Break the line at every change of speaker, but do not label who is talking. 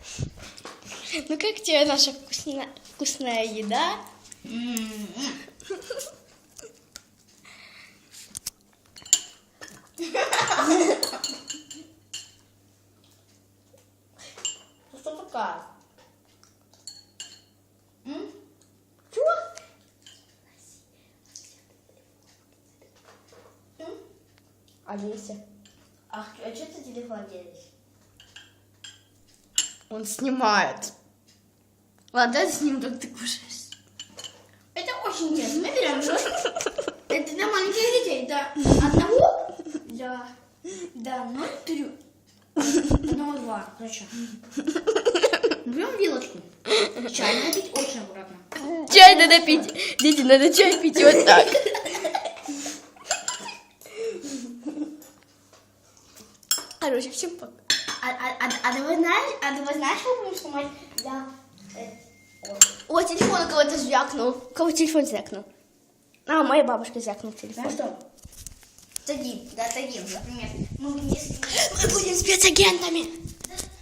Ну как тебе наша вкусная еда?
Что такое?
Чего? Олеся.
А что ты телефон делаешь?
Он снимает. Ладно, давай снимем, как ты кушаешь.
Это очень интересно. Мы берем ложку. Это для маленьких детей. До 1, до 0,3. 1,2. Зачем? Берем вилочку. Чай надо пить очень аккуратно.
Чай надо пить. Дети, надо чай пить вот так. Короче, всем пока.
А ты знаешь, что будем снимать для...
О, телефон у кого-то звякнул. У кого телефон звякнул? А, моя бабушка звякнул телефон.
Знаешь что? Тагин, например. Мы
Мы будем спецагентами.